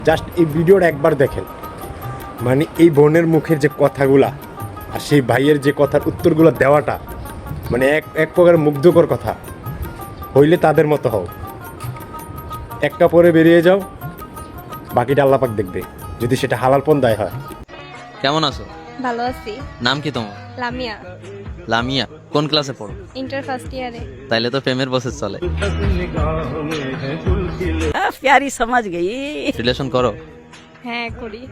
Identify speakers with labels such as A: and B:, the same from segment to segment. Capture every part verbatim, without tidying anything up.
A: Just এই ভিডিওটা একবার দেখেন, মানে এই বোনের মুখের যে কথাগুলা আর সেই ভাইয়ের যে কথার উত্তরগুলো দেওয়াটা, মানে এক এক প্রকার মুগ্ধকর কথা। হইলে তাদের মতো হও, একটা পরে বেরিয়ে যাও, বাকিটা আল্লাহ পাক দেখবে, যদি সেটা হালাল পন্থায় হয়।
B: কেমন আছো?
C: ভালো আছি।
B: নাম কি তোমার?
C: লামিয়া।
B: লামিয়া। কোন ক্লাসে পড়ো?
C: ইন্টার ফার্স্ট ইয়ারে।
B: তাইলে তো প্রেমের বসে চলে।
D: प्यारी समझ गई।
B: রিলেশন করো?
C: হ্যাঁ করি।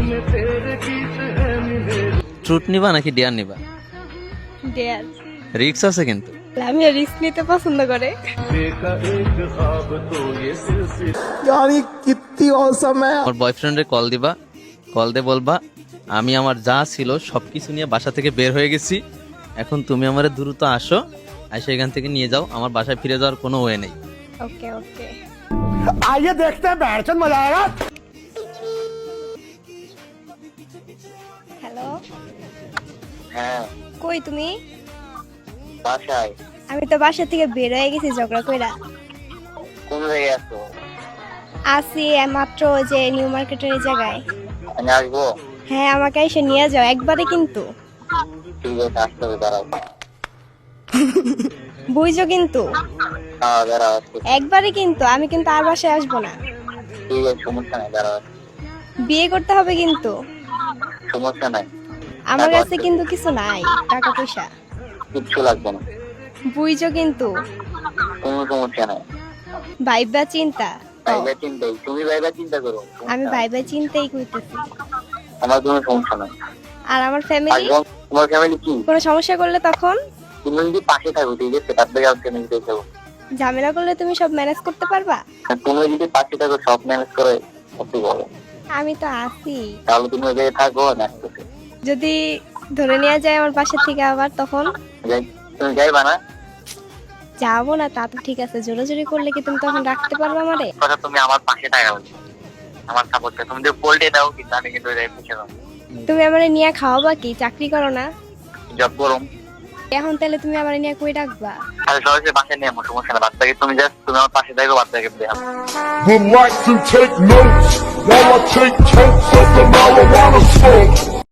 B: ট্রুথ নিবা নাকি ডেয়ার নিবা?
C: ডেয়ার।
B: রিস্ক আছে কিন্তু।
C: লামিয়া রিস্ক নিতে পছন্দ করে।
B: আমার বয়ফ্রেন্ডে কল দিবা, কল দিয়ে বলবা আমি আমার যা ছিল সবকিছু নিয়ে বাসা থেকে বের হয়ে গেছি, এখন তুমি আমারে দ্রুত আসো, এসে এখান থেকে নিয়ে যাও, আমার বাসায় ফিরে যাওয়ার কোনো ওয়ে নেই।
C: ওকে ওকে।
A: आइए देखते हैं बैठचंद मजा आएगा।
C: হ্যালো,
E: হ্যাঁ
C: কই তুমি?
E: বাসায়।
C: আমি তো বাসা থেকে বের হয়ে গেছি ঝগড়া কইরা।
E: কোন জায়গায় আছো?
C: আসি মাত্র ওই যে নিউ মার্কেটের এই জায়গায়।
E: আমি আসবো?
C: হ্যাঁ আমাকে এসে নিয়ে যাও একবারে কিন্তু।
E: ঠিক আছে, আসতে হবে, দাঁড়াও।
C: বুঝছো কিন্তু?
E: হ্যাঁ দাঁড়াও, আসতে।
C: একবারে কিন্তু, আমি কিন্তু আর বাসায় আসবো না।
E: ঠিক আছে, সমস্যা নাই, দাঁড়াও।
C: বিয়ে করতে হবে কিন্তু।
E: সমস্যা নাই,
C: আমার কাছে কিন্তু কিছু নাই, টাকা পয়সা।
E: কিচ্ছু লাগবে না।
C: বুঝছো কিন্তু?
E: কোনো সমস্যা নাই।
C: ভাইবা চিন্তা।
E: ভাইবা চিন্তাই, তুমি ভাইবা চিন্তা করো।
C: আমি ভাইবা চিন্তাই করতেছি।
E: আমার কোনো সমস্যা নাই।
C: আর আমার ফ্যামিলি?
E: আসবো। তোমার ফ্যামিলি কি?
C: কোনো সমস্যা করলে তখন?
E: তুমি যদি পাশে থাকো, ঠিক আছে, তার থেকে আমাকে ফ্যামিলি দেখে যাবো।
C: ঝামেলা করলে তুমি সব ম্যানেজ করতে পারবা?
E: তুমি যদি পাশে থাকো, সব ম্যানেজ করে করতে পারো।
C: আমি তো আছি।
E: তাহলে তুমি ওই জায়গায় থাকো না,
C: যদি ধরে নেওয়া যায় আমার পাশে থেকে আবার, তখন?
E: যাই, তুমি যাইবা না?
C: যাবো না তা তো ঠিক আছে, জোরাজোরি করলে কি তুমি তখন রাখতে পারবে আমারে?
E: কথা, তুমি আমার পাশে থাকা উচিত, আমার সাপোর্ট। তুমি যদি পোল্টে দাও কিন্তু আমি কিন্তু ওই জায়গায় পিছিয়ে যাবো।
C: তুমি আমারে নিয়ে খাওয়াবা কি? চাকরি করো না?
E: জব করুম।
C: এখন তাহলে তুমি আমারে নিয়ে কই রাখবা?
E: আর সরাসরি বাসায় নিয়ে আমার সমস্যা না, বাদ বাকি তুমি জাস্ট তুমি আমার পাশে থাকো, বাদ বাকি দেখাবো।
F: Would like to take notes while I take totes of the marijuana smoke.